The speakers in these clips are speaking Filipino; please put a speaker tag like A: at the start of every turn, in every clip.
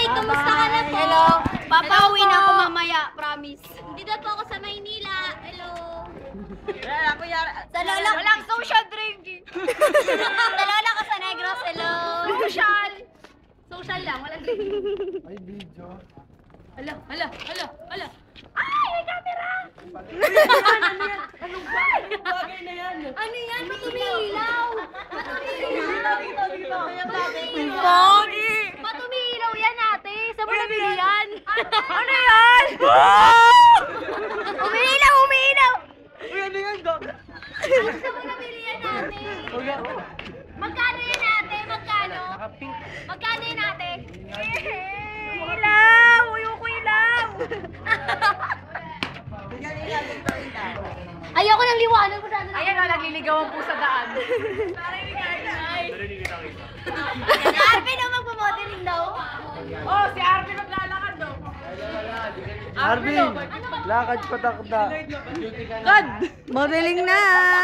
A: kumusta ka na po?
B: Hello. Papauwi na ako mamaya, promise.
A: Hindi na po ako sa Maynila. Hello.
B: Sa lola.
A: Walang social drinking.
B: Sa lola ko sa Negros, hello.
A: Social. Social lang, walang drinking.
C: Ay, video.
A: Hala. Ay, may camera!
C: Anong bagay na yan?
A: Ano yan? Ba't umiilaw?
B: Pogi!
A: Ba't umiilaw yan, ate? Saan mo nabili yan?
B: Ano yan? Umiilaw!
C: Uy, ano yan, Dok?
A: Saan mo nabili yan, ate? Magkano yan, ate? Magkano?
C: Naka-pink.
A: Magkano yan, ate?
B: Ilaw! Uyoko ilaw!
A: Ayoko nang liwanag.
B: Ayan o, nagliligawan po sa daan.
A: Si Arvin ang magpamodeling daw.
B: Oh, si Arvin maglalakad daw.
C: Arvin, lakad patakda.
B: God! Modeling na!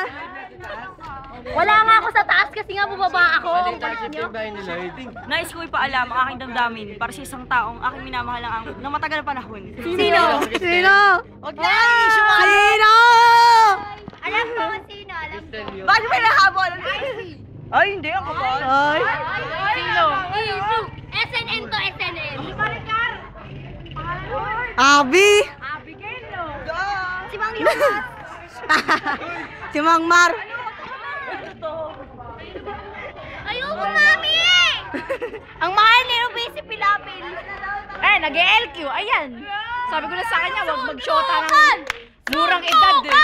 A: Wala nga ako sa taas kasi nga bubaba ako. Ang kulit nyo.
B: Nais ko ipaalam ang aking damdamin para sa isang taong aking minamahal ng matagal na panahon.
A: Sino?
B: Huwag na! Sino?
A: Alam ko kung sino. Alam ko.
B: Bakit may nahabol? Ay, hindi ako ba? Ay!
A: Sino? SNN to SNN.
B: Abi!
A: Si Mang Lucas.
B: Si Mang Mar!
A: Ayoko, mami! Ang mahal ni Ruby si Pilapil.
B: Eh, nag-LQ. Ayan. Sabi ko na sa kanya, wag mag-shota ng murang edad eh.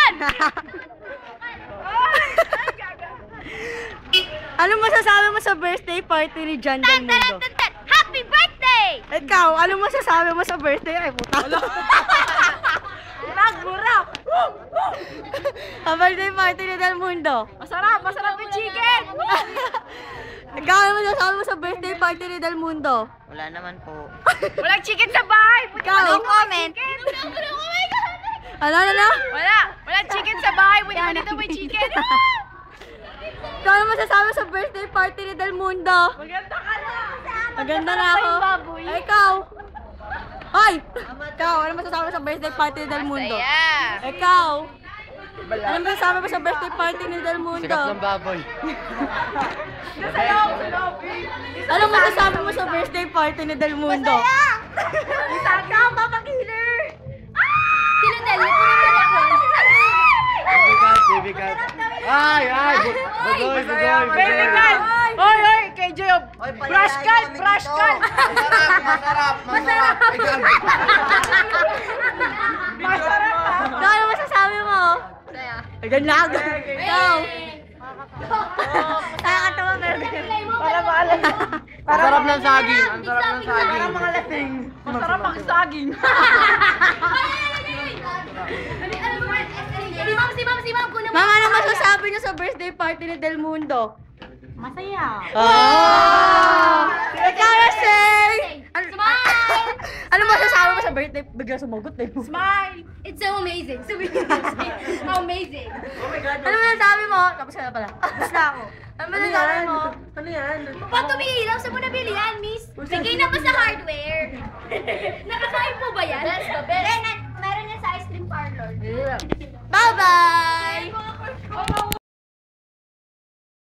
B: Ano masasabi mo sa birthday party ni John Del Mundo?
A: Happy birthday!
B: Ikaw, ano masasabi mo sa birthday? Ay, puta. Nagbura! Ang birthday party ni Del Mundo. Masarap yung chicken! Ikaw, ano masasabi mo sa birthday party ni Del Mundo?
D: Wala naman po.
B: Walang chicken sa bahay! Ikaw, no comment! Ano? Walang chicken sa bahay! Pwede ba dito may chicken? Ikaw, ano masasabi sa birthday party ni Del Mundo? Maganda ka na! Maganda na ako. Ay, ikaw! Ay! Ikaw, ano masasabi sa birthday party ni Del Mundo? Ikaw! Ano masasabi mo sa birthday party ni Del Mundo?
C: Sikat ng baboy.
B: Ano masasabi mo sa birthday party ni Del Mundo? Masaya! Ikaw, Papa Killer!
A: Sino Del? Puro ako.
C: Baby cat. Ay! Bagoy!
B: Baby cat! Oy! Kay Job! Brush cut!
C: Masarap!
B: Ikaw, ano masasabi mo? Ay, ganyan! Ikaw! Nakakatawa pero para maalala.
C: Masarap ng saging. Ang sarap ng saging.
B: Para mga lasing. Masarap ang saging.
A: Si Ma'am, kunin mo.
B: Mama, ano masasabi niyo sa birthday party ni Del Mundo?
A: Masaya.
B: Ikaw na, Shay!
A: Smile!
B: Ano masasabi mo sa birthday? Bigla sumagot na yun.
A: Smile! It's so amazing. So amazing.
B: Ano masasabi mo? Tapos ka na pala. Tapos na ako. Ano masasabi mo?
C: Ano yan?
A: Ba't tumihilaw? Saan mo nabili yan, miss? Bigay na ba sa hardware? Nakakain po ba yan? Best the best. Meron yan sa ice cream parlor.
B: Bye-bye!